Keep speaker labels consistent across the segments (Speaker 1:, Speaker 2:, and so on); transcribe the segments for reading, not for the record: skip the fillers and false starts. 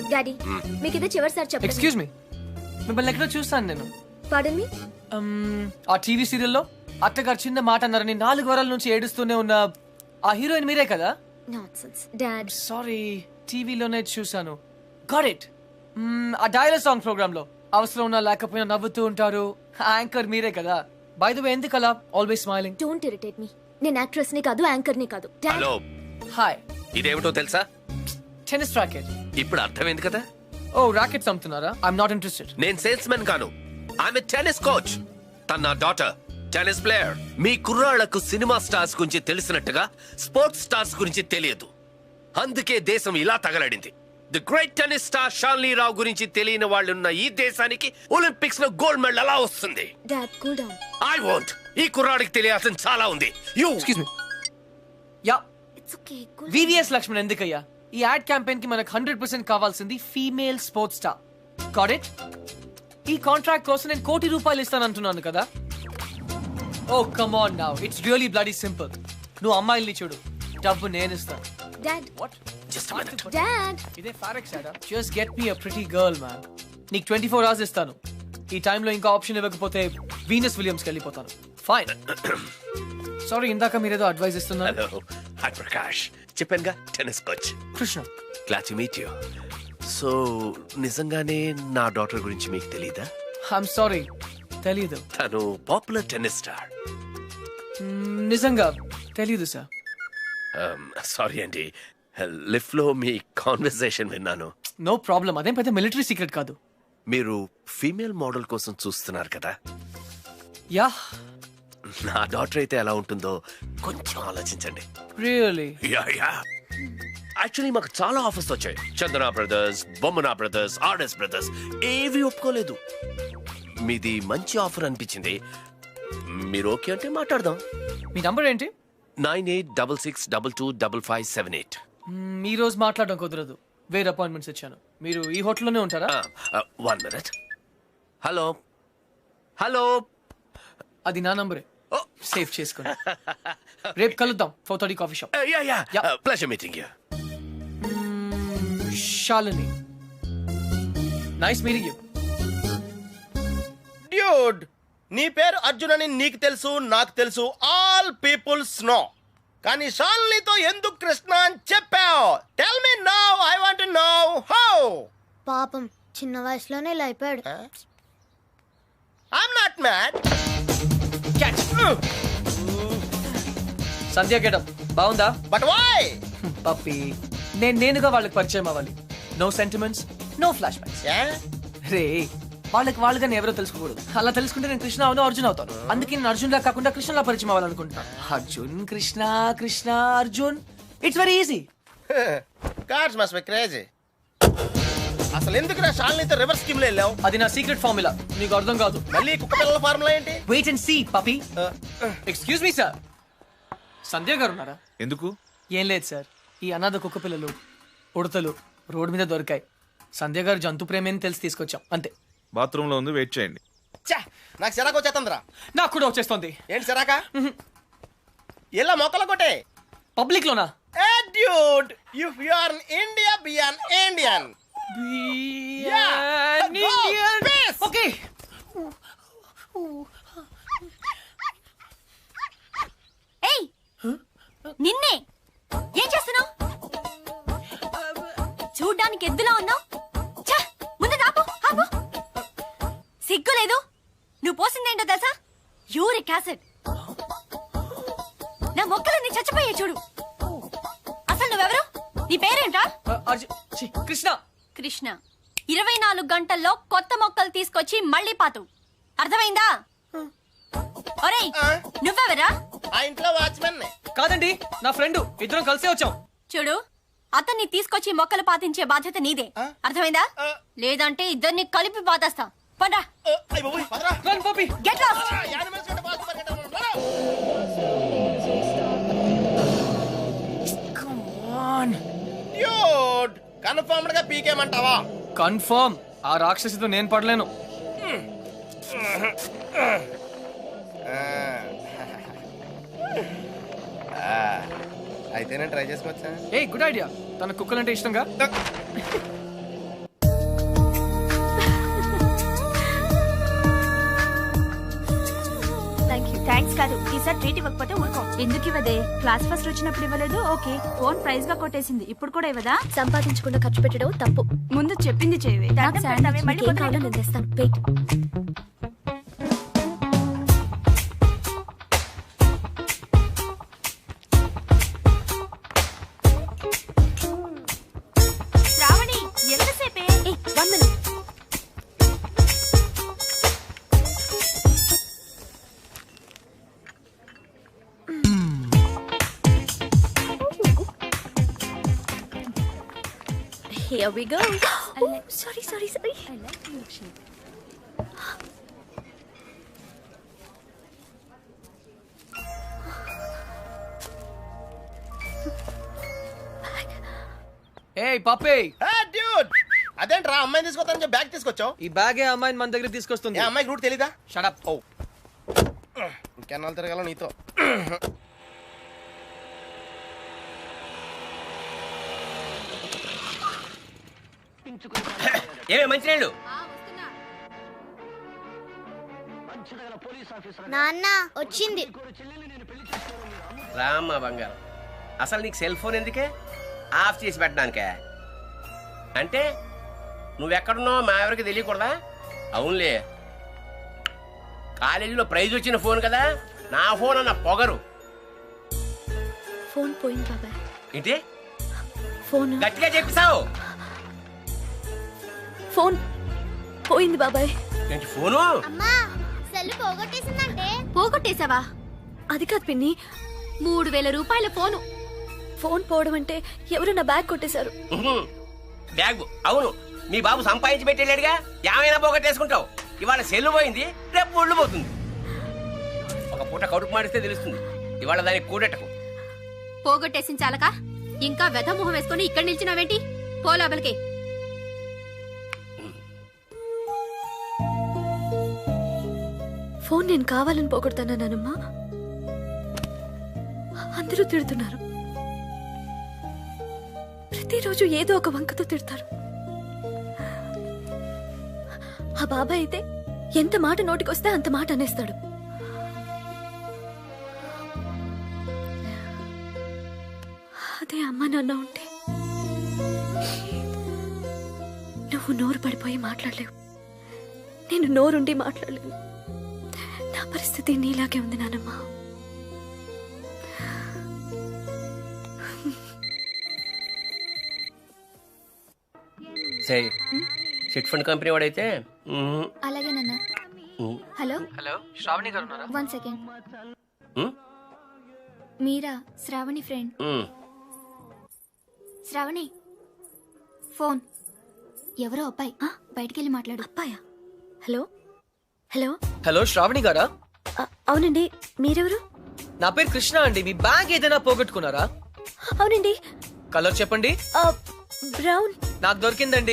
Speaker 1: Daddy మీకు ఇదే చివరిసారి చెప్పండి.
Speaker 2: ఎక్స్క్యూజ్ మీ, మిమ్మల్ని ఎక్కడో చూస్తాను నేను.
Speaker 1: పాడన్ మీ.
Speaker 2: ఆ టీవీ సీరియల్లో అత్తగారు చిన్న మాట అన్నారని 4 వారాల నుంచి ఏడుస్తూనే ఉన్న ఆ హీరోయిన్ మీరే కదా?
Speaker 1: Nonsense dad.
Speaker 2: సారీ, టీవీలోనే చూసాను. Got it. ఆ డైలాగ్ సాంగ్ ప్రోగ్రామ్ లో అవసరం ఉన్నా లేకపోయినా నవ్వుతూ ఉంటారు. యాంకర్ మీరే కదా? బై ద వే, ఎందుకు అలా always smiling?
Speaker 1: Don't irritate me. నేను యాక్ట్రెస్ ని కాదు, యాంకర్ ని కాదు.
Speaker 3: Hello,
Speaker 2: hi.
Speaker 3: ఇదేమిటో తెలుసా?
Speaker 2: Tennis racket.
Speaker 3: ఇప్పుడు అర్థమైంది కదా.
Speaker 2: ఓ, రాకెట్స్ అమ్ముతున్నారా? I'm not interested.
Speaker 3: నేను సేల్స్ మెన్ కాను, ఆమె టెన్నిస్ కోచ్. తన నా డాటర్, టెన్నిస్ ప్లేయర్. మీ కుర్రాళ్లకు సినిమా స్టార్స్ గురించి తెలిసినట్టుగా స్పోర్ట్స్ స్టార్స్ గురించి తెలియదు. అందుకే దేశం ఇలా తగలడింది. The great tennis star Shalini Rao గురించి తెలియని వాళ్ళున్న ఈ దేశానికి ఒలింపిక్స్ లో గోల్డ్ మెడల్ ఎలా వస్తుంది?
Speaker 1: Dad cool down.
Speaker 3: I want. ఈ కుర్రాడికి తెలియాల్సిన చాలా ఉంది. You
Speaker 2: excuse me. Yeah,
Speaker 1: it's okay.
Speaker 2: VVS Laxman ఎందుకయ్యా? ఈ యాడ్ క్యాంపెయిన్ కి మనకు 100% కావాల్సింది female sports star. Got it? ఈ కాంట్రాక్ట్ కోసం నేను ₹1 కోటి ఇస్తానంటున్నాను కదా. Oh come on now, it's really bloody simple. నువ్వు అమ్మాయిల్ని చూడు, డబ్బు నేను ఇస్తాను.
Speaker 1: Dad.
Speaker 2: What?
Speaker 3: Just minute.
Speaker 1: Dad.
Speaker 2: ఇదే ఫారెక్స్ యాడా? Just get me a pretty girl man. నీకు 24 hours ఇస్తాను. ఈ టైంలో ఇంకా ఆప్షన్ ఇవ్వకపోతే వీనస్ విలియమ్స్కి వెళ్ళిపోతాను. ఫైన్. సారీ, ఇందాక మీరేదో అడ్వైస్ ఇస్తున్నారు.
Speaker 3: Hello, hi Prakash. చెప్పానుగా, tennis coach.
Speaker 2: Krishna.
Speaker 3: Glad to meet you. So నిజంగానే నా డాటర్ గురించి మీకు తెలీదా?
Speaker 2: ఐఎమ్ సారీ, తెలీదు.
Speaker 3: తను పాపులర్ టెన్నిస్ స్టార్.
Speaker 2: నిజంగా తెలీదు సార్.
Speaker 3: సారీ అండి, లిఫ్ట్ లో మీ కాన్వర్సేషన్ విన్నాను.
Speaker 2: నో ప్రాబ్లం, అదేం పెద్ద మిలిటరీ సీక్రెట్ కాదు.
Speaker 3: మీరు ఫీమేల్ మోడల్ కోసం చూస్తున్నారు కదా.
Speaker 2: యా.
Speaker 3: నా డాటర్ అయితే ఎలా ఉంటుందో కొంచెం ఆలోచించండి.
Speaker 2: రియల్లీ?
Speaker 3: Yeah yeah. యాక్చువల్లీ మాకు చాలా ఆఫర్స్ వచ్చాయి. Chandana brothers, Bommana brothers, RS brothers ఏవి ఒప్పుకోలేదు. మీది మంచి ఆఫర్ అనిపించింది. మీరు ఓకే అంటే మాట్లాడదాం.
Speaker 2: మీ నంబర్ ఏంటి?
Speaker 3: 9866225578.
Speaker 2: ఈ రోజు మాట్లాడడం కుదరదు, వేరే అపాయింట్మెంట్స్ ఇచ్చాను. మీరు ఈ హోటల్లోనే ఉంటారా?
Speaker 3: 1 minute. Hello hello.
Speaker 2: అది నా నంబరే, సేవ్ చేసుకోండి. రేపు కలుద్దాం 4:30 coffee shop.
Speaker 3: Yeah yeah.
Speaker 2: Yeah.
Speaker 3: Pleasure meeting you.
Speaker 2: Shalini, nice meeting you.
Speaker 4: Dude, నీ పేరు అర్జున్ అని నీకు తెలుసు, నాకు తెలుసు, ఆల్ పీపుల్స్ నో. కానీ షాలినితో ఎందుకు కృష్ణ అని చెప్పావు? Tell me now, I want to know how.
Speaker 1: పాపం చిన్న వయసులోనే ఇలా అయిపోయాడు.
Speaker 4: I'm not mad.
Speaker 2: Sandhya getup బాగుందా?
Speaker 4: But why?
Speaker 2: పప్పి, నేనుగా వాళ్ళకి పరిచయం అవ్వాలి. No sentiments, no flashbacks. రే, వాళ్ళకి నేను ఎవరో తెలుసుకోకూడదు. అలా తెలుసుకుంటే నేను కృష్ణ అవును, అర్జున్ అవుతాను. అందుకే నేను అర్జున్ లా కాకుండా కృష్ణలా పరిచయం అవ్వాలనుకుంటున్నాను. Arjun Krishna, Krishna Arjun, it's very easy.
Speaker 4: Cars must be crazy. అసలు ఎందుకు నా షాలినితో రివర్స్ స్కీమ్ లో వెళ్ళావు?
Speaker 2: అది నా సీక్రెట్ ఫార్ములా, నీకు అర్థం కాదు.
Speaker 4: మళ్ళీ కుక్క పిల్లల ఫార్ములా ఏంటి?
Speaker 2: Wait and see puppy. Excuse me sir, Sandhya గారు ఉన్నారా?
Speaker 5: ఎందుకు?
Speaker 2: ఏం లేదు సార్, ఈ అనాథ కుక్క పిల్లలు ఉడతలు రోడ్డు మీద దొరికాయి. సంధ్య గారు జంతు ప్రేమని తెలిసి తీసుకొచ్చాం, అంతే.
Speaker 5: బాత్రూమ్ లో ఉంది, వెయిట్ చేయండి.
Speaker 4: నాకు సిరాకు వచ్చేస్తుందిరా.
Speaker 2: నాకు కూడా వచ్చేస్తుంది.
Speaker 4: ఏంటి సిరాక? ఇలా మొక్కలు కొట్టే
Speaker 2: పబ్లిక్ లోనా?
Speaker 4: Dude, if you are in India, be an Indian.
Speaker 2: Okay.
Speaker 1: ఏయ్, నిన్నే ఏం చేస్తున్నావు? చూడ్డానికి ఎద్దులా ఉన్నావు. ముందు ఆపు, ఆపు. సిగ్గు లేదు? నువ్వు పోసిందేంటో తెలుసా? Uric acid. నా మొక్కలన్నీ చచ్చిపోయాయి చూడు. అసలు నువ్వెవరు? నీ పేరేంటా?
Speaker 2: కృష్ణ.
Speaker 1: కృష్ణ. 24 గంటల్లో కొత్త మొక్కలు తీసుకొచ్చి మళ్ళీ పాతు. అర్థమైందా? ఒరేయ్, నువ్వెవరా?
Speaker 4: ఆ ఇంట్లో వాచ్మెన్.
Speaker 2: కాదండి, నా ఫ్రెండ్. ఇద్దరం కలిసే వచ్చాం.
Speaker 1: చూడు, అతన్ని తీసుకొచ్చి మొక్కలు పాతించే బాధ్యత నీదే. అర్థమైందా? లేదంటే ఇద్దరిని కలిపి పాతేస్తా. పండ్రా.
Speaker 2: Run puppy.
Speaker 1: Get lost.
Speaker 2: Come on
Speaker 4: dude, confirmed గా పీకేమంటావా?
Speaker 2: కన్ఫర్మ్. ఆ రాక్షసితో నేను పడలేను.
Speaker 4: అయితే నేను ట్రై చేసుకోవచ్చా?
Speaker 2: A good idea. తన కుక్కలంటే ఇష్టంగా.
Speaker 6: కాదు ఈసారి ట్రీట్ ఇవ్వకపోతే ఊరుకో. ఎందుకు ఇవ్వదే? క్లాస్ ఫస్ట్ వచ్చినప్పుడు ఇవ్వలేదు, ఓకే. ఫోన్ ప్రైజ్ గా కొట్టేసింది, ఇప్పుడు కూడా ఇవ్వదా?
Speaker 1: సంపాదించకుండా ఖర్చు పెట్టడం తప్పు.
Speaker 6: ముందు చెప్పింది చేయవే.
Speaker 1: నాకు శాండ్విచ్ మీకేం కావాలో నేను తెస్తాను. వెయిట్.
Speaker 6: శ్రావణి ఎంతసేపే?
Speaker 1: 1 minute. Here we go. Sorry. I like milkshake.
Speaker 2: ఏయ్ పప్పే,
Speaker 4: డ్యూడ్ అదేంట్రా అమ్మాయిని తీసుకొస్తానని చెప్పి బ్యాగ్ తీసుకొచ్చావు?
Speaker 2: ఈ బ్యాగే అమ్మాయిని మన దగ్గర తీసుకొస్తుంది.
Speaker 4: ఏ అమ్మాయికి రూట్ తెలీదా?
Speaker 2: Shut up.
Speaker 4: ఓ ఇంకెన్నాళ్ళు తిరగాల నీతో.
Speaker 3: ఏమే మంచినీళ్ళు?
Speaker 7: నాన్న వచ్చింది.
Speaker 3: రామ్మా బంగారం, అసలు నీకు సెల్ ఫోన్ ఎందుకే? ఆఫ్ చేసి పెట్టడానికే? అంటే నువ్వెక్కడున్నావు మా ఎవరికి తెలియకూడదా? అవునులే, కాలేజీలో ప్రైజ్ వచ్చిన ఫోన్ కదా, నా ఫోన్ అన్న పొగరు.
Speaker 1: ఫోన్ పోయింది బాబాయ్.
Speaker 3: ఏంటి
Speaker 1: ఫోన్
Speaker 3: గట్టిగా చెప్పిసావు?
Speaker 1: ఫోన్ పోయింది బాబాయ్.
Speaker 3: ఏంటి ఫోను?
Speaker 7: అమ్మా సెల్ పోగొట్టేసిందంటే.
Speaker 1: పోగొట్టేశావా? అది కాదు పిన్ని, 3000 రూపాయల ఫోను. ఫోన్ పోవడం అంటే ఎవరు నా బ్యాగ్ కొట్టేశారు.
Speaker 3: బ్యాగ్? అవును, మీ బాబు సంపాదించి పెట్టేళ్ళాడుగా, ఏమైనా పోగొట్టేసుకుంటావు. ఇవాళ సెల్లు పోయింది, రేపు ఒళ్ళు పోతుంది. ఒక పూట కడుపు మాడిస్తే తెలుస్తుంది, ఇవాళ దానికి కూడెట్టకు.
Speaker 1: పోగొట్టేసిన చాలక ఇంకా వెధ మొహం వేసుకొని ఇక్కడ నిల్చున్నావేంటి? పో లోపలికి. ఫోన్ నేను కావాలని పోగొడతానా నానమ్మా? అందరూ తిడుతున్నారు, ప్రతిరోజు ఏదో ఒక వంకతో తిడతారు. ఆ బాబాయ్ అయితే ఎంత మాట నోటికొస్తే అంత మాట అనేస్తాడు. అదే అమ్మ నాన్న ఉంటే నువ్వు నోరు పడిపోయి మాట్లాడలేవు, నేను నోరుండి మాట్లాడలేను. నా పరిస్థితి నీలాగే ఉంది నానమ్మా.
Speaker 3: సరే, చిట్ ఫండ్ కంపెనీ వాడైతే
Speaker 7: అలాగే నాన్న. హలో
Speaker 2: హలో, శ్రావణి గారు ఉన్నారా?
Speaker 7: 1 సెకండ్. మీరా? శ్రావణి ఫ్రెండ్. శ్రావణి ఫోన్. ఎవరో అబ్బాయి, బయటికెళ్ళి మాట్లాడు.
Speaker 1: అబ్బాయా? హలో హలో
Speaker 2: హలో, శ్రావణి గారా?
Speaker 1: అవునండి, మీరెవరు?
Speaker 2: నా పేరు కృష్ణ అండి. మీ బ్యాగ్ ఏదైనా పోగొట్టుకున్నారా?
Speaker 1: అవునండి.
Speaker 2: కలర్ చెప్పండి.
Speaker 1: బ్రౌన్.
Speaker 2: నాకు దొరికిందండి.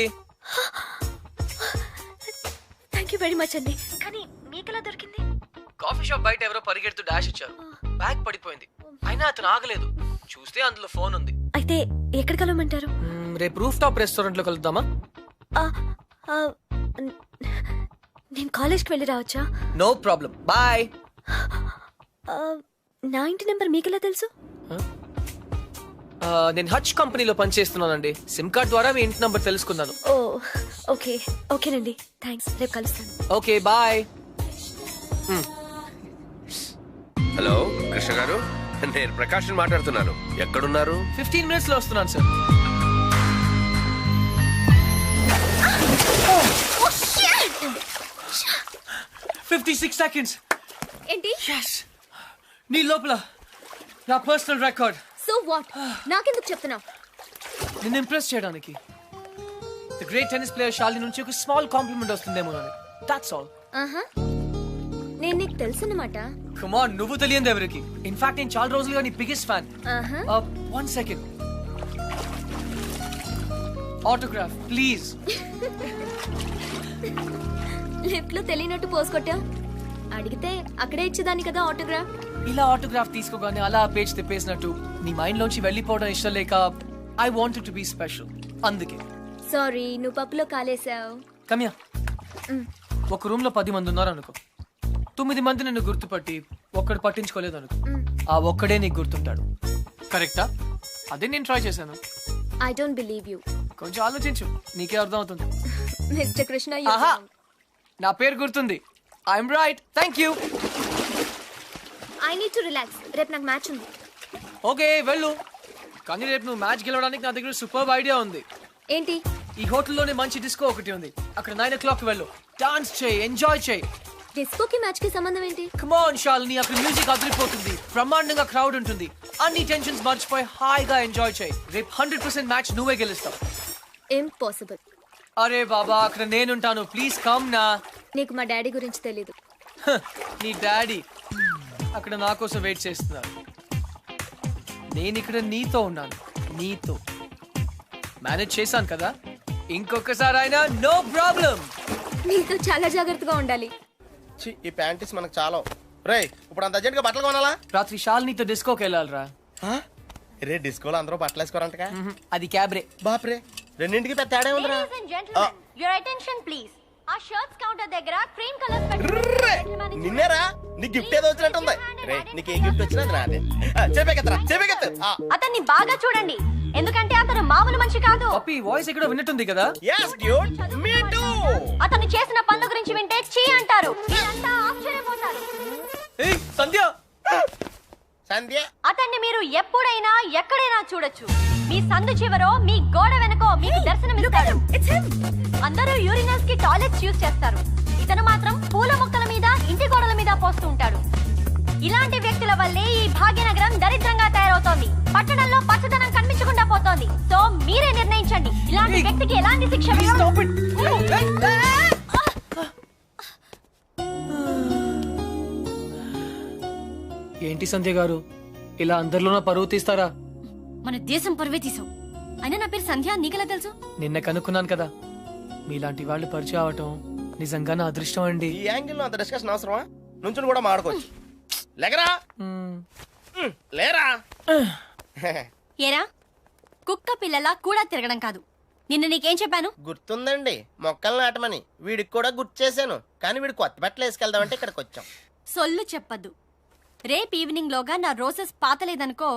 Speaker 1: థ్యాంక్ యూ వెరీ మచ్ అండి. కానీ మీకెలా దొరికింది?
Speaker 2: కాఫీ షాప్ బయట ఎవరో పరిగెడుతూ డాష్ ఇచ్చారు, బ్యాగ్ పడిపోయింది. అయినా అతను ఆగలేదు, చూస్తే అందులో ఫోన్ ఉంది.
Speaker 1: అయితే ఎక్కడ కలవమంటారు?
Speaker 2: రేపు రూఫ్ టాప్ రెస్టారెంట్ లో కలుద్దామా?
Speaker 1: నేను కాలేజ్కి వెళ్ళి రావచ్చా?
Speaker 2: No problem, bye.
Speaker 1: నా ఇంటి నెంబర్ మీకెలా తెలుసు?
Speaker 2: నేను హచ్ కంపెనీలో పనిచేస్తున్నానండి. సిమ్ కార్డ్ ద్వారా మీ ఇంటి నంబర్ తెలుసుకున్నాను.
Speaker 1: ఓ ఓకే, ఓకేనండి, థ్యాంక్స్. రేపు కలుస్తాను.
Speaker 2: Okay, bye.
Speaker 3: హలో కృష్ణ గారు, నేను ప్రకాష్ మాట్లాడుతున్నాను. ఎక్కడున్నారు?
Speaker 2: 15 minutes లో వస్తున్నాను సార్. 56 seconds.
Speaker 1: ఏంటి?
Speaker 2: Yes. నీ లోపల నా పర్సనల్ రికార్డ్.
Speaker 1: So what? నాకెందుకు చెప్తున్నావు?
Speaker 2: నిన్ను ఇంప్రెస్ చేయడానికి. The great tennis player Shalini నుంచి ఒక స్మాల్ కాంప్లిమెంట్ వస్తుందేమో అని. That's all.
Speaker 1: నేను నీకు తెలుసన్నమాట.
Speaker 2: కమ్ ఆన్, నువ్వు తెలియదు ఎవరికి. ఇన్ఫాక్ట్ నేను చాలా రోజులుగా నీ biggest fan. 1 second. Autograph please.
Speaker 1: Lift లో తెలియనట్టు పోస్ కొట్టావు. అడిగితే అక్కడే ఇచ్చేదాన్ని కదా ఆటోగ్రాఫ్.
Speaker 2: ఇలా ఆటోగ్రాఫ్ తీసుకోగానే అలా పేజ్ తిప్పేసినట్టు నీ మైండ్ లోంచి వెళ్ళిపోవడం ఇష్టం లేక I wanted to be special, అందుకే.
Speaker 1: సారీ, నువ్వు పప్పులో కాలేసావు.
Speaker 2: కమ్యా, ఒక రూమ్ లో 10 మంది ఉన్నారు అనుకో. 9 మంది నిన్ను గుర్తుపట్టి ఒక్కడు పట్టించుకోలేదు అనుకో, ఆ ఒక్కడే నీకు గుర్తుంటాడు. కరెక్టా? అదే నేను ట్రై చేశాను.
Speaker 8: I don't believe you.
Speaker 2: కొంచెం ఆలోచించు, నీకే అర్థం అవుతుంది.
Speaker 8: మిస్టర్ కృష్ణ,
Speaker 2: ఆహా, నా పేరు గుర్తుంది. I'm right. Thank you.
Speaker 8: I need to relax. రేపు నాకు మ్యాచ్ ఉంది.
Speaker 2: ఓకే వెళ్ళు, కానీ రేపు నువ్వు మ్యాచ్ గెలవడానికి నా దగ్గర సూపర్ ఐడియా ఉంది.
Speaker 8: ఏంటి?
Speaker 2: ఈ హోటల్లోనే మంచి డిస్కో ఒకటి ఉంది, అక్కడ 9 o'clock వెళ్ళు. డాన్స్ చేయి, ఎంజాయ్ చేయి.
Speaker 8: డిస్కోకి మ్యాచ్ కి సంబంధం ఏంటి?
Speaker 2: కమ్ ఆన్ శాలిని, అక్కడ మ్యూజిక్ అదిరిపోతుంది, బ్రహ్మాండంగా క్రౌడ్ ఉంటుంది, అన్ని టెన్షన్స్ మర్చిపోయి హాయిగా ఎంజాయ్ చేయి. రేపు 100% మ్యాచ్ నువ్వే గెలుస్తావు.
Speaker 8: ఇంపాసిబుల్.
Speaker 2: అరే బాబా, అక్కడ నేనుంటాను, ప్లీజ్ కమ్ నా.
Speaker 8: నీకు మా డాడీ గురించి తెలీదు.
Speaker 2: నీ డాడీ అక్కడ నా కోసం వెయిట్ చేస్తున్నారు. నేను ఇక్కడ నీతో ఉన్నాను, నీతో మేనేజ్ చేశాను కదా, ఇంకొకసారి అయినా నో ప్రాబ్లం.
Speaker 8: నీతో చాలా జాగ్రత్తగా ఉండాలి.
Speaker 4: ఈ ప్యాంటీస్ మనకు చాలా. రే, ఇప్పుడు అంత అర్జెంట్ గా బట్టలు కొనాలా?
Speaker 2: రాత్రి శాలినితో డిస్కోకి వెళ్ళాలిరా.
Speaker 4: రే, డిస్కోలో అందరూ బట్టలు వేసుకోరంటగా.
Speaker 2: అది క్యాబ్రే.
Speaker 4: బాప్రే, రెండింటికి పెద్ద తేడా ఉందిరా.
Speaker 1: Ladies and gentlemen, your attention please. ఆ షర్ట్స్ కౌంటర్ దగ్గర క్రీమ్ కలర్ పెట్టి
Speaker 4: నిన్నేరా, నీ గిఫ్ట్ ఏదో వచ్చినట్టుంది. రే, నీకు ఏ గిఫ్ట్ వచ్చినా నాదే. చెప్పేకెత్తరా, చెప్పేకెత్తు.
Speaker 1: అతన్ని బాగా చూడండి, ఎందుకంటే అతను మామూలు మనిషి కాదు.
Speaker 2: పప్పి వాయిస్ ఎక్కడో విన్నట్టుంది కదా.
Speaker 4: yes dude, me too.
Speaker 1: అతను చేసిన పనుల గురించి వింటే చీ అంటారు, మీరంతా ఆశ్చర్యపోతారు.
Speaker 2: ఏయ్ సంధ్య,
Speaker 4: సంధ్య,
Speaker 1: అతన్ని మీరు ఎప్పుడైనా ఎక్కడైనా చూడొచ్చు. మీ సందు చివరో, మీ గోడ వెనకో మీకు దర్శనమిస్తాడు. అందరూ యూరినల్స్ కి టాయిలెట్స్ యూజ్ చేస్తారు, ఇతను మాత్రం పూల మొక్కల మీద, ఇంటి గోడల మీద పోస్తూ ఉంటాడు. ఇలాంటి వ్యక్తుల వల్లే ఈ భాగ్యనగరం దరిద్రంగా తయారవుతోంది. పట్టణంలో పచ్చదనం కనిపించకుండా పోతోంది. సో మీరే నిర్ణయించండి, ఇలాంటి వ్యక్తికి ఎలాంటి శిక్ష వేయాలి?
Speaker 2: ఏంటి సంధ్య గారు, ఇలా అందరిలోనూ పరువు తీస్తారా?
Speaker 1: మన దేశం పరువే తీసావు. అయినా నా పేరు సంధ్య, నీకెలా తెలుసు?
Speaker 2: నిన్న కనుక్కున్నాను కదా. మీలాంటి వాళ్ళు పరిచయం అవటం నిజంగా నా అదృష్టం అండి.
Speaker 4: ఈ యాంగిల్ లో అంత డిస్కషన్ అవసరమా? నుంచుని కూడా మాడుకోవచ్చు. లేకరా, లేరా.
Speaker 1: ఏరా, కుక్క పిల్లలా కూడా తిరగడం కాదు. నిన్న నీకేం చెప్పాను?
Speaker 4: గుర్తుందండి, మొక్కలు నాటమని. వీడికి కూడా గుర్తు చేశాను, కానీ వీడు కొత్త బట్టలు వేసుకెళ్దామంటే ఇక్కడికి వచ్చాం.
Speaker 1: సొల్లు చెప్పద్దు. రేపు ఈవినింగ్ లోగా నా రోజెస్ పాతలేదనుకో.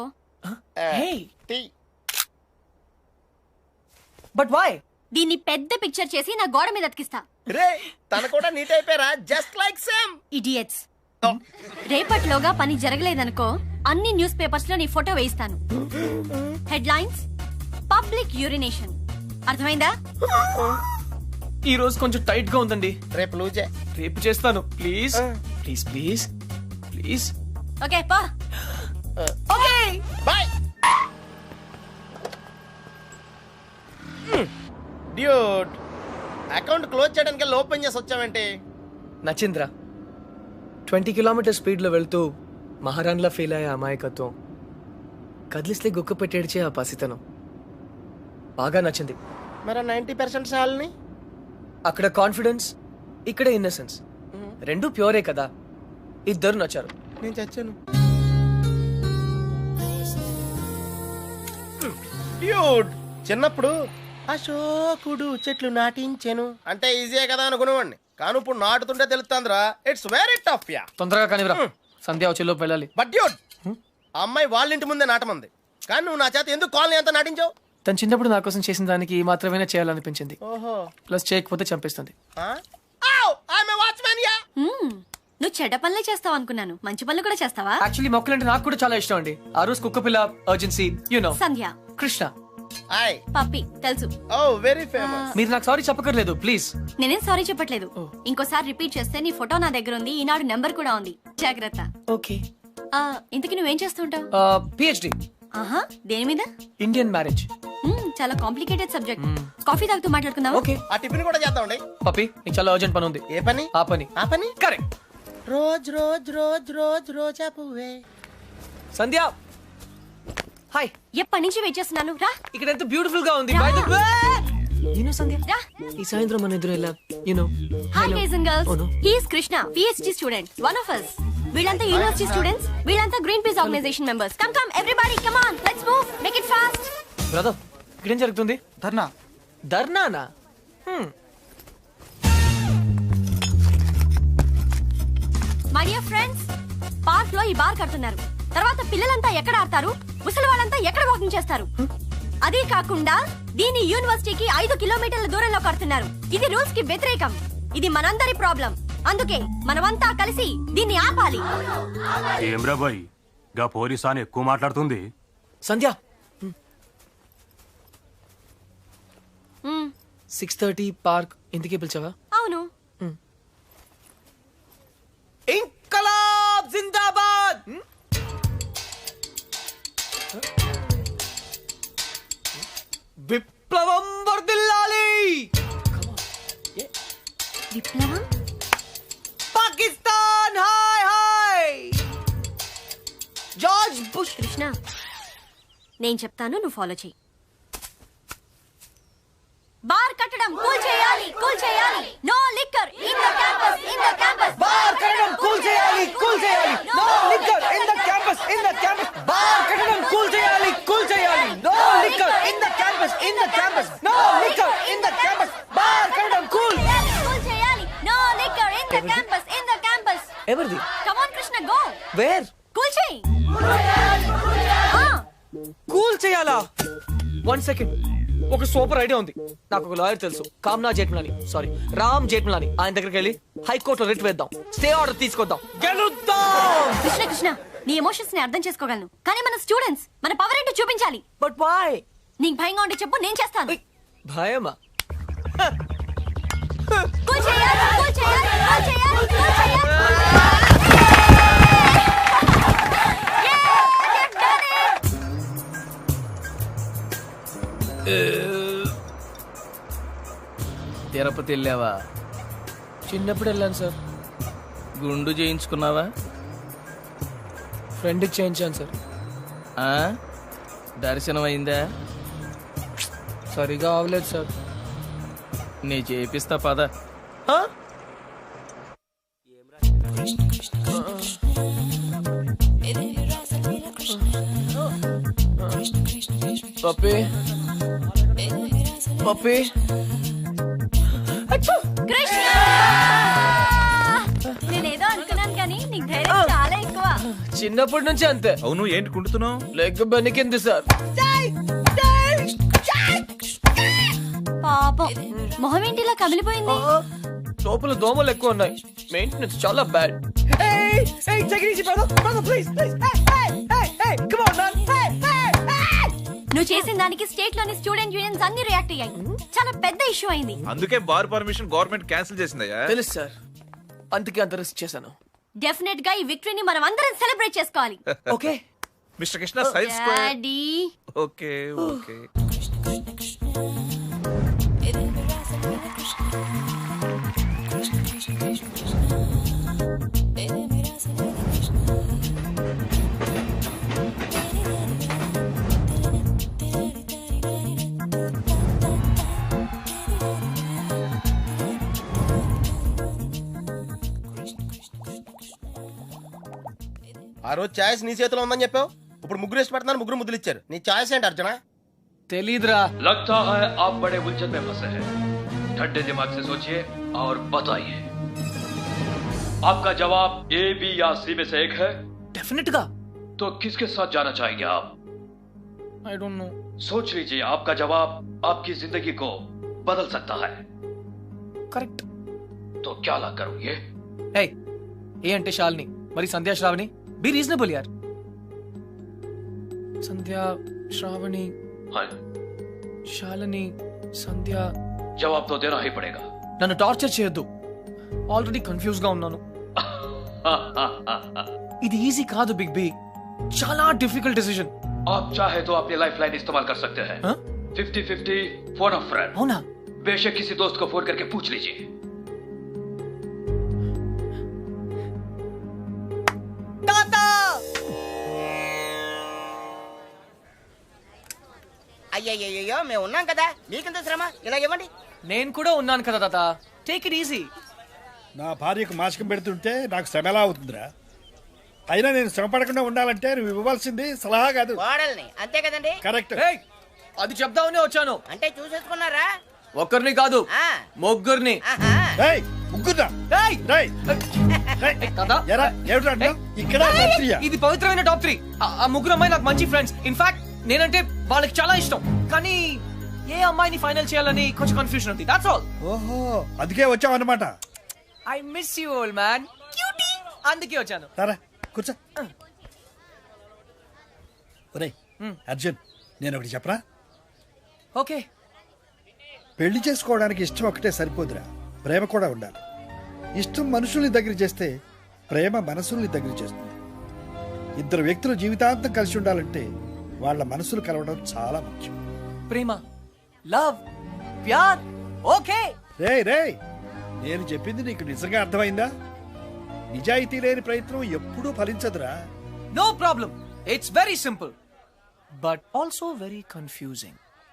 Speaker 2: But why?
Speaker 1: దీన్ని పెద్ద పిక్చర్ చేసి నా గోడ మీద అతికిస్తా.
Speaker 4: రే, తన కూడా నీట్ అయిపోయారా, జస్ట్ లైక్ సేమ్.
Speaker 1: ఇడియట్స్. రేపటిలోగా పని జరగలేదనుకో, అన్ని న్యూస్ పేపర్స్ లో నీ ఫోటో వేయిస్తాను. Headlines, public urination. అర్థమైందా?
Speaker 2: ఈ రోజు కొంచెం టైట్ గా ఉందండి.
Speaker 4: రేపు లూజే.
Speaker 2: రేపు చేస్తాను, please please please please.
Speaker 1: Okay పా.
Speaker 2: Okay
Speaker 4: bye. Dude, account close చేయడానికి ఓపెన్ చేసి వచ్చావేంటి?
Speaker 2: నచింద్ర 20 కిలోమీటర్ స్పీడ్ లో వెళ్తూ మహారాణిలా ఫీల్ అయ్యే అమాయకత్వం, కదిలిస్తే గుక్క పెట్టేడ్చే ఆ పసితనం బాగా నచ్చింది.
Speaker 4: మరి 90% సాల్ని?
Speaker 2: అక్కడ కాన్ఫిడెన్స్, ఇక్కడ ఇన్నసెన్స్, రెండు ప్యూరే కదా. ఇద్దరు నచ్చారు.
Speaker 4: నేను చచ్చాను. డ్యూడ్, చిన్నప్పుడు అశోకుడు చెట్లు నాటించెను అంటే ఈజీయే కదా అనుకునేవాడిని, కానీ ఇప్పుడు నాటుతుంటే తెలుస్తుందిరా, ఇట్స్ వెరీ టఫ్. యా,
Speaker 2: తొందరగా కానివ్వరా, సంధ్య వచ్చేలోపు వెళ్ళాలి.
Speaker 4: బట్ డ్యూడ్, ఆ అమ్మాయి వాళ్ళ ఇంటి ముందే నాటమంది, కానీ నువ్వు నా చేత ఎందుకు కాలనీ అంతా నాటించావు?
Speaker 2: తను చిన్నప్పుడు నా కోసం చేసిన దానికి మాత్రమే చేయాలనిపించింది.
Speaker 4: ఓహో,
Speaker 2: ప్లస్ చేయకపోతే చంపేస్తుంది.
Speaker 1: నువ్వు చెడ్డ పనులే చేస్తావు అనుకున్నాను, మంచి పనులు కూడా చేస్తావా?
Speaker 2: యాక్చువల్లీ మొక్కలంటే నాకు కూడా చాలా ఇష్టం అండి. ఆ రోజు కుక్క పిల్ల, urgency, you know,
Speaker 1: Sandhya,
Speaker 2: Krishna,
Speaker 1: puppy తెలుసు.
Speaker 4: Oh very famous.
Speaker 2: మీరు నాకు సారీ చెప్పకర్లేదు ప్లీజ్.
Speaker 1: నేనేం సారీ చెప్పట్లేదు. ఇంకోసారి రిపీట్ చేస్తే నీ ఫోటో నా దగ్గర ఉంది, ఈనాడు నెంబర్ కూడా ఉంది, జాగ్రత్త.
Speaker 2: ఓకే.
Speaker 1: ఇంతకీ నువ్వేం చేస్తుంటావు?
Speaker 2: పిహెచ్డి.
Speaker 1: ఆహా, దేని మీద?
Speaker 2: Indian marriage.
Speaker 1: చాలా కాంప్లికేటెడ్ సబ్జెక్ట్. కాఫీ తాగుతూ మాట్లాడుకుందాం.
Speaker 2: ఓకే.
Speaker 4: ఆ టిఫిన్ కూడా చేద్దామండి.
Speaker 2: పప్పి, నీకు చాలా అర్జెంట్ పని ఉంది.
Speaker 4: ఏ పని?
Speaker 2: ఆ పని.
Speaker 4: ఆ పని
Speaker 2: correct.
Speaker 4: Rose rose rose rose రోజా పువ్వే.
Speaker 2: సంధ్య, హాయ్.
Speaker 1: ఎప్పటి నుంచి వెయిట్ చేస్తున్నాను, రా.
Speaker 2: ఇక్కడ ఎంత బ్యూటిఫుల్ గా ఉంది. By the way, you know Sandhya,
Speaker 1: రా.
Speaker 2: ఈ సాయంత్రం మన ఎదురు ఎలా, you know.
Speaker 1: Hi guys and girls,
Speaker 2: Oh, no.
Speaker 1: He is Krishna, PhD student, one of us. వీళ్ళంతా యూనివర్సిటీ స్టూడెంట్స్, వీళ్ళంతా Greenpeace organisation members. Come come everybody, come on, let's move, make it fast.
Speaker 2: Brother, ఇక్కడ ఏం జరుగుతుంది?
Speaker 9: ధర్నా.
Speaker 2: ధర్నానా?
Speaker 1: My dear friends, park లో ఈ bar కడుతున్నారు. తర్వాత పిల్లలంతా ఎక్కడ ఆడతారు, ముసలి వాళ్ళంతా ఎక్కడ వాకింగ్ చేస్తారు? అదే కాకుండా దీని యూనివర్సిటీకి 5 కిలోమీటర్ల దూరంలో కడుతున్నారు. ఇది రూల్స్ కి వ్యతిరేకం. ఇది మనందరి ప్రాబ్లం. అందుకే మనమంతా కలిసి దీన్ని ఆపాలి.
Speaker 9: ఏమ్రా బాయ్ గా పోలీసాని ఎక్కువ మాట్లాడుతుంది.
Speaker 2: సంధ్య
Speaker 1: మ్,
Speaker 2: 6:30 పార్క్ ఇంటికి పిలిచావా?
Speaker 1: అవును.
Speaker 2: ఇంకలాబ్ జిందాబాద్. విప్లవం వర్ధిల్లాలి.
Speaker 1: విప్లవం?
Speaker 2: పాకిస్తాన్ హాయ్ హాయ్. George Bush.
Speaker 1: కృష్ణ, నేను చెప్తాను, నువ్వు ఫాలో చెయ్యి. బార్ కట్టడం కూల్ చేయాలి, కూల్ చేయాలి. No liquor in the campus, in the campus.
Speaker 2: Bar కట్టడం కూల్ చేయాలి, కూల్ చేయాలి. No liquor in the campus, in the campus. Bar కట్టడం కూల్ చేయాలి, కూల్ చేయాలి. No liquor in the campus, in the campus. No liquor in the campus. Bar కట్టడం cool
Speaker 1: cool చేయాలి. No liquor in the campus, in the campus.
Speaker 2: ఎవరిది?
Speaker 1: Come on Krishna, go.
Speaker 2: Where?
Speaker 1: Cool చేయి.
Speaker 2: Cool చేయాలా? 1 second. ఒక super idea ఉంది. నాకు ఒక lawyer తెలుసు, కామ్నా జేట్మలాని, సారీ రామ్ జేట్మలాని. ఆయన దగ్గరికి వెళ్ళి హైకోర్టులో రిట్ వేద్దాం, స్టే ఆర్డర్ తీసుకొద్దాం, గెలుద్దాం.
Speaker 1: కృష్ణ కృష్ణ, నీ ఎమోషన్స్ ని అర్థం చేసుకోగలను, కానీ మన స్టూడెంట్స్, మన పవర్ ఏంటో చూపించాలి.
Speaker 2: But why?
Speaker 1: నీకు భయంగా ఉంటే చెప్పు, నేను చేస్తాను.
Speaker 2: భయమా?
Speaker 1: కూల్ చేయాలి, కూల్ చేయాలి, కూల్ చేయాలి, కూల్ చేయాలి.
Speaker 10: తిరుపతి వెళ్ళావా?
Speaker 2: చిన్నప్పుడు వెళ్ళాను సార్.
Speaker 10: గుండు చేయించుకున్నావా?
Speaker 2: ఫ్రెండ్కి చేయించాను సార్.
Speaker 10: ఆ? దర్శనం అయిందా?
Speaker 2: సరిగా అవలేదు సార్.
Speaker 10: నీ చేపిస్తా పద.
Speaker 2: పప్పి పప్పి.
Speaker 1: కృష్ణ, నేనేదో అనుకున్నాను, కానీ నీకు ధైర్యం చాలా ఎక్కువ.
Speaker 2: చిన్నప్పటి నుంచి అంతే.
Speaker 5: అవును, ఏంటి కుంటున్నావు?
Speaker 2: Leg బెనికింది sir.
Speaker 1: పాపం, మొహం ఏంటి ఇలా కమిలిపోయింది?
Speaker 2: లోపల దోమలు ఎక్కువ ఉన్నాయి. మెయింటెనెన్స్ చాలా బ్యాడ్.
Speaker 1: నువ్వు చేసిన దానికి స్టేట్ లోని స్టూడెంట్ యూనియన్స్ అన్ని రియాక్ట్ అయ్యాయి. చాలా పెద్ద ఇష్యూ అయింది.
Speaker 5: అందుకే బార్ పర్మిషన్ గవర్నమెంట్ క్యాన్సిల్ చేసిందయ్యా.
Speaker 2: తెలుసు సార్, అందుకే అంత రిస్క్ చేశాను.
Speaker 1: డెఫినెట్ గా ఈ విక్టరీని మనం అందరం సెలబ్రేట్ చేసుకోవాలి.
Speaker 2: Okay
Speaker 5: mister Krishna, science square.
Speaker 1: Daddy,
Speaker 5: okay okay.
Speaker 4: ఆ రోజు ఛాయిస్ నీ చేతిలో ఉందని చెప్పావు, ఇప్పుడు ముగ్గురు ఇష్టపడుతున్నారు, ముగ్గురు ముద్దులు ఇచ్చారు. నీ ఛాయిస్ ఏంటి అర్జున?
Speaker 2: తెలీదురా.
Speaker 11: लगता है आप बड़े उलझन में फंसे हैं। ठंडे दिमाग से सोचिए और बताइए, आपका जवाब ए, बी या सी में से एक है।
Speaker 2: डेफिनेट गा।
Speaker 11: तो किसके साथ जाना चाहेंगे आप?
Speaker 2: I don't know.
Speaker 11: सोच लीजिए, आपका जवाब आपकी जिंदगी को बदल सकता है।
Speaker 2: करेक्ट।
Speaker 11: तो क्या ला करूं ये?
Speaker 2: Hey, ये अंटे शालिनी, मरी संध्या श्रावणी, be reasonable यार. संध्या श्रावणी,
Speaker 11: हाँ,
Speaker 2: शालिनी, సంధ్య.
Speaker 11: जवाब तो देना ही पड़ेगा.
Speaker 2: నన్ను టార్చర్ చేయొద్దు, ఆల్రెడీ కన్ఫ్యూజ్ గా ఉన్నాను. ఇది ఈజీ కాదు బిగ్ బి, చాలా డిఫికల్ట్ డిసిజన్.
Speaker 11: आप चाहे तो अपनी लाइफ लाइन इस्तेमाल कर सकते हैं. 50-50 फोन ऑफ फ्रेंड.
Speaker 2: అవునా?
Speaker 11: बेशक किसी दोस्त को फोन करके पूछ लीजिए.
Speaker 2: తాతా
Speaker 12: అయ్యయ్యో, మేము ఉన్నాం కదా, మీకెంత శ్రమ, ఇలా ఇవ్వండి.
Speaker 2: నేను కూడా ఉన్నాను కదా తాత, టేక్ ఇట్ ఈజీ.
Speaker 13: నా భార్యకు మాసికం పెడుతుంటే నాకు శ్రమ ఎలా అవుతుందిరా? అయినా నేను శ్రమ పడకుండా ఉండాలంటే నువ్వు ఇవ్వాల్సింది సలహా కాదు,
Speaker 12: కోడల్ని. అంతే కదండి?
Speaker 13: కరెక్ట్.
Speaker 2: అది చెప్దామనే వచ్చాను.
Speaker 12: అంటే చూసేసుకున్నారా?
Speaker 2: ఒక్కరిని కాదు, ముగ్గురిని.
Speaker 13: ముగ్గురా
Speaker 2: ఏయ్!
Speaker 13: రేయ్
Speaker 2: కదా
Speaker 13: ఎరా ఏమిట్రా అంటున్నావ్? ఇక్కడ రాత్రియా?
Speaker 2: ఇది పవిత్రమైన టాప్ 3. ఆ ముగ్గురు అమ్మాయి నాకు మంచి ఫ్రెండ్స్. ఇన్ఫాక్ట్ నేనంటే వాళ్ళకి చాలా ఇష్టం. కానీ ఏ అమ్మాయిని ఫైనల్ చేయాలని కొంచెం కన్ఫ్యూజన్ ఉంది. That's all.
Speaker 13: ఓహో అందుకే వచ్చావు అన్నమాట.
Speaker 2: I miss you old man. Cutie. అందుకే వచ్చాను.
Speaker 13: సరే కూర్చో. ఒరేయ్ అర్జున్, నేను ఒకటి చెప్పరా?
Speaker 2: ఓకే.
Speaker 13: పెళ్లి చేసుకోవడానికి ఇష్టం ఒకటే సరిపోదురా, ప్రేమ కూడా ఉండాలి. ఇష్టం మనుషుల్ని దగ్గర చేస్తే ప్రేమ మనసుల్ని దగ్గర చేస్తుంది. ఇద్దరు వ్యక్తులు జీవితాంతం కలిసి ఉండాలంటే వాళ్ళ మనసులు కలవడం చాలా ముఖ్యం.
Speaker 2: ప్రేమ, లవ్, ప్యార్. ఓకే.
Speaker 13: రేయ్ రేయ్, నేను చెప్పింది నీకు నిజంగా అర్థమైందా? నిజాయితీ లేని ప్రయత్నం ఎప్పుడూ ఫలించదురా.
Speaker 2: No problem. It's very simple but also very confusing.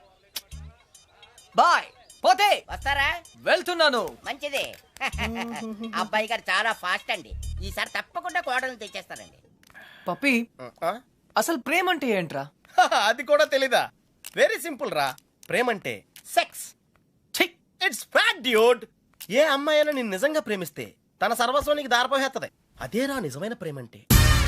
Speaker 2: Bye. పోతే
Speaker 12: వస్తారా?
Speaker 2: వెళ్తున్నాను.
Speaker 12: మంచిది. అబ్బాయి గారు చాలా ఫాస్ట్ అండి. ఈసారి తప్పకుండా కోడలు తెచ్చేస్తారండి.
Speaker 2: పప్పి, అసలు ప్రేమ అంటే ఏంట్రా?
Speaker 4: అది కూడా తెలీదా? వెరీ సింపుల్ రా. ప్రేమంటే సెక్స్. It's fact dude. ఏ అమ్మాయి అయినా నిన్ను నిజంగా ప్రేమిస్తే తన సర్వస్వం నీకు దారిపోయేస్తుంది. అదేరా నిజమైన ప్రేమంటే.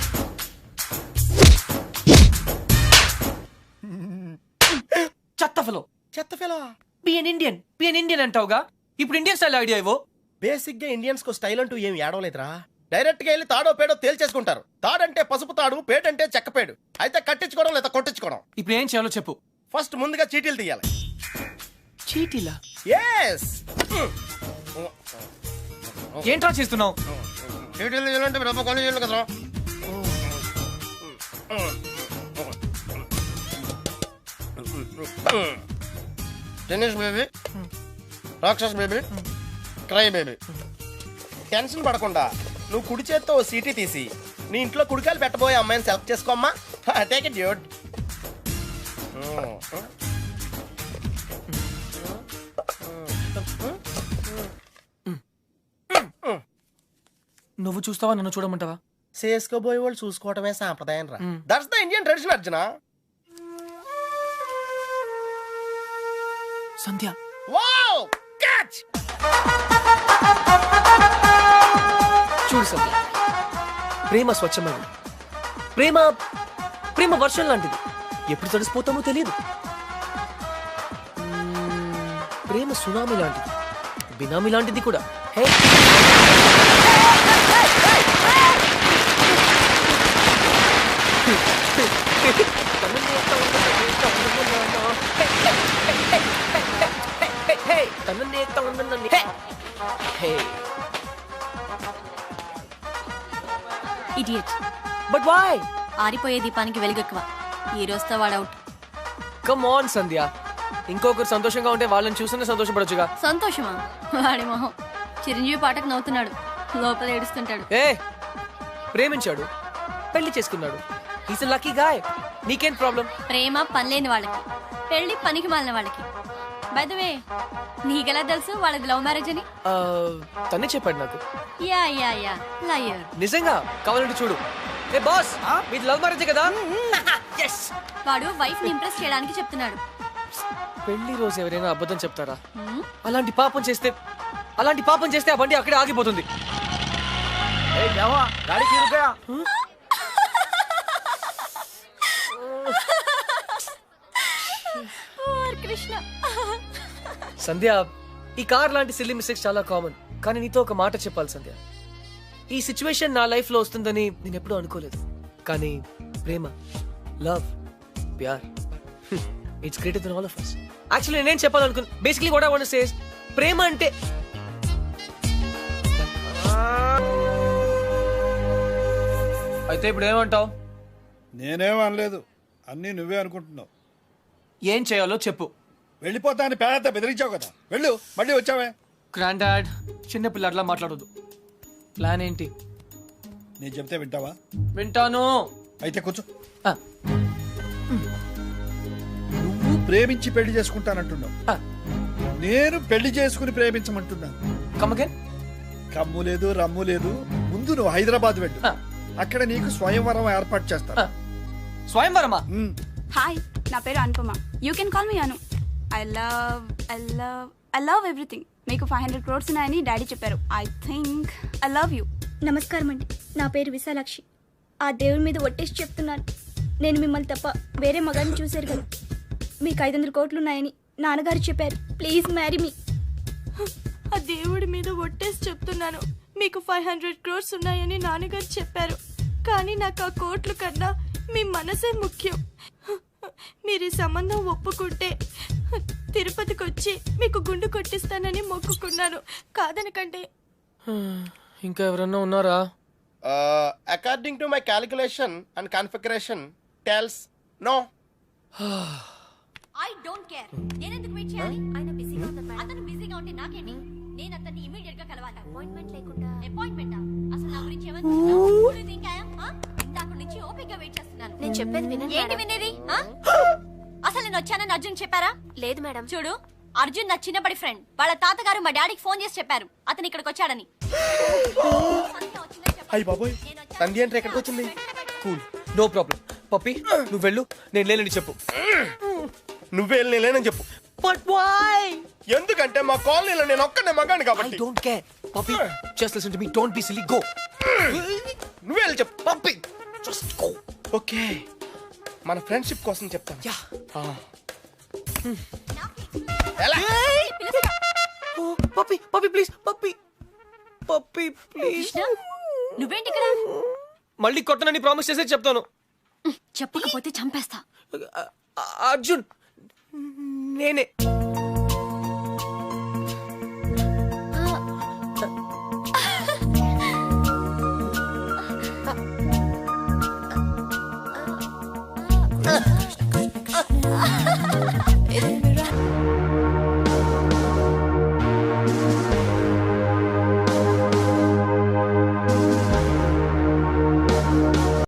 Speaker 2: చెత్తఫలో.
Speaker 4: చెత్తఫలో.
Speaker 2: బి ఎన్ ఇండియన్ అంటావుగా. ఇప్పుడు ఇండియన్ స్టైల్ ఐడియా ఇవ్వు.
Speaker 4: బేసిక్ గా ఇండియన్స్ కు స్టైల్ అంటూ ఏం ఏడవలేదురా. డైరెక్ట్ గా వెళ్ళి తాడో పేడో తేల్చేసుకుంటారు. తాడంటే పసుపు తాడు, పేడంటే చెక్కపేడు. అయితే కట్టించుకోవడం లేదా కొట్టించుకోవడం.
Speaker 2: ఇప్పుడు ఏం చేయాలో చెప్పు.
Speaker 4: ఫస్ట్ ముందుగా చీటీలు తీయాలి.
Speaker 2: చీటీలా?
Speaker 4: ఎస్.
Speaker 2: ఏంట్రా చేస్తున్నావు?
Speaker 4: చీటీలు తీయాలంటే రూపాయి కొని చేయాలి కదరా. టెన్నిస్ బేబీ, రాక్షస్ బేబీ, క్రై బేబీ. టెన్షన్ పడకుండా నువ్వు కుడి చేత్తో ఓ సీటీ తీసి నీ ఇంట్లో కుడికాయలు పెట్టబోయే అమ్మాయిని సెలెక్ట్ చేసుకోమ్మా. Take it dude.
Speaker 2: నువ్వు చూస్తావా, నన్ను చూడమంటావా?
Speaker 4: చేసుకోబోయే వాళ్ళు చూసుకోవటమే సాంప్రదాయం రా. That's the Indian tradition Arjuna.
Speaker 2: Sandhya.
Speaker 4: Wow, catch.
Speaker 2: చూడు సంధ్య, ప్రేమ స్వచ్ఛమైనది. ప్రేమ ప్రేమ వర్షం లాంటిది. ఎప్పుడు తడిసిపోతామో తెలియదు. ప్రేమ సునామీ లాంటిది, బినామీ లాంటిది కూడా. Hey,
Speaker 1: idiot.
Speaker 2: But why?
Speaker 1: ఆరిపోయే దీపానికి వెలుగెక్కువ. ఈ రోజుతో వాడవుట్.
Speaker 2: కమ్ ఆన్ సంధ్య, ఇంకొకరు సంతోషంగా ఉంటే వాళ్ళని చూస్తూనే సంతోషపడొచ్చుగా.
Speaker 1: సంతోషమా? వాడి మొహం. చిరంజీవి పాటకు నవ్వుతున్నాడు, లోపల ఏడుస్తుంటాడు.
Speaker 2: ఏ, ప్రేమించాడు, పెళ్లి చేసుకున్నాడు. Is a lucky guy. నీకేం ప్రాబ్లం?
Speaker 1: ప్రేమ పనిలేని వాళ్ళకి, పెళ్లి పనికి మాలిన వాళ్ళకి. బై ద వే, నీకెలా తెలుసు వాళ్ళది లవ్ మ్యారేజ్ అని?
Speaker 2: తనే చెప్పాడు నాకు.
Speaker 1: Yeah yeah yeah, liar.
Speaker 2: నిజంగా? కావాలంటే చూడు. ఏ బాస్, మీది లవ్ మ్యారేజ్ కదా?
Speaker 1: వాడు వైఫ్ ని ఇంప్రెస్ చేయడానికి చెప్తున్నాడు.
Speaker 2: పెళ్లి రోజు ఎవరైనా అబద్ధం చెప్తారా? అలాంటి పాపం చేస్తే ఆ బండి అక్కడే ఆగిపోతుంది.
Speaker 1: కృష్ణ.
Speaker 2: సంధ్య, ఈ కార్ లాంటి సిల్లీ మిస్టేక్స్ చాలా కామన్. కానీ నీతో ఒక మాట చెప్పాలి సంధ్య. ఈ సిచ్యువేషన్ నా లైఫ్ లో వస్తుందని నేను ఎప్పుడూ అనుకోలేదు. కానీ ప్రేమ, లవ్, ప్యార్, it's greater than all of us. Actually నేనేం చెప్పాలనుకున్నా, basically what I want to say is, ప్రేమ అంటే అయితే ఇప్పుడు ఏమంటావు?
Speaker 13: నేనేం అనలేదు, అన్నీ నువ్వే అనుకుంటున్నావు.
Speaker 2: ఏం చేయాలో చెప్పు.
Speaker 13: వెళ్ళిపోతా అని పేద బెదిరించావు కదా, వెళ్ళు. మళ్ళీ వచ్చావే.
Speaker 2: గ్రాండ్ డాడ్, చిన్న పిల్లట్లా మాట్లాడొద్దు. ప్లాన్ ఏంటి?
Speaker 13: నేను చెప్తే వింటావా?
Speaker 2: వింటాను.
Speaker 13: అయితే కూర్చో. నువ్వు ప్రేమించి పెళ్లి చేసుకుంటానంటున్నావు, నేను పెళ్లి చేసుకుని ప్రేమించమంటున్నాను.
Speaker 2: కమ్మగన్.
Speaker 13: కమ్ము లేదు, రమ్ము లేదు. ముందు నువ్వు హైదరాబాద్ వెళ్ళు, అక్కడ నీకు స్వయంవరం ఏర్పాటు చేస్తా.
Speaker 2: స్వయంవరమా?
Speaker 6: హాయ్, నా పేరు Anupama. You can call me Anu. I love I love everything. మీకు 500 crores ఉన్నాయని డాడీ చెప్పారు. I think I love you.
Speaker 7: నమస్కారం అండి, నా పేరు విశాలాక్షి. ఆ దేవుడి మీద ఒట్టేసి చెప్తున్నాను, నేను మిమ్మల్ని తప్ప వేరే మగాన్ని చూశారు కదా. మీకు 500 కోట్లు ఉన్నాయని నాన్నగారు చెప్పారు. Please marry me.
Speaker 6: ఆ దేవుడి మీద ఒట్టేసి చెప్తున్నాను, మీకు 500 crores ఉన్నాయని నాన్నగారు చెప్పారు. కానీ నాకు ఆ కోట్లు కన్నా మీ మనసే ముఖ్యం. మీరు ఈ సంబంధం ఒప్పుకుంటే తిరుపతికి వచ్చి మీకు గుండు కొట్టిస్తానని మొక్కుకున్నాను. కాదనకంటే.
Speaker 2: ఇంకా ఎవరన్నా ఉన్నారా?
Speaker 4: According to my calculation and configuration tells no.
Speaker 1: I don't care. నేను ఎందుకు వెయిట్ చేయాలి? ఆయన బిజీగా ఉన్నారు మేడం. అతను బిజీగా ఉంటే నాకేంటి? నేను అతన్ని ఇమిడియట్ గా కలవాలి. అపాయింట్మెంట్ లేకుండా. అపాయింట్మెంటా? అసలు నా గురించి ఏమనుకుంటున్నావు? ఇందాక నుంచి ఓపికగా వెయిట్ చేస్తున్నాను.
Speaker 8: నేను చెప్పేది వినండి.
Speaker 1: ఏంటి వినేది? అసలు నేను వచ్చానని అర్జున్ చెప్పారా?
Speaker 8: లేదు మేడం.
Speaker 1: చూడు, అర్జున్ నా చిన్నప్పటి ఫ్రెండ్. వాళ్ళ తాతగారు మా డాడీకి ఫోన్ చేసి చెప్పారు అతను ఇక్కడికి వచ్చాడని.
Speaker 4: అయ్యి బాబోయ్, సంధ్య అంటే ఎక్కడికి వచ్చింది?
Speaker 2: Cool, no problem. పప్పి నువ్వు వెళ్ళు, నేను లేనని చెప్పు.
Speaker 4: నువ్వే లేనని చెప్పు.
Speaker 2: But why?
Speaker 4: ఎందుకంటే మా కాలనీలో నేను ఒక్కనే మగాను కాబట్టి.
Speaker 2: I don't care. Puppy, just listen to me. Don't be silly. Go.
Speaker 4: నువ్వే వెళ్ళి చెప్పు.
Speaker 2: Puppy, just go.
Speaker 4: ఓకే, మన ఫ్రెండ్షిప్ కోసం చెప్తాను.
Speaker 2: Yeah.
Speaker 4: ఎలా?
Speaker 2: Oh, puppy, puppy, please, puppy, puppy, please.
Speaker 1: నువ్వేంటి ఇక్కడ?
Speaker 2: మళ్ళీ కొట్టనని ప్రామిస్ చేసే చెప్తాను.
Speaker 1: చెప్పకపోతే చంపేస్తా.
Speaker 2: అర్జున్, నేనే.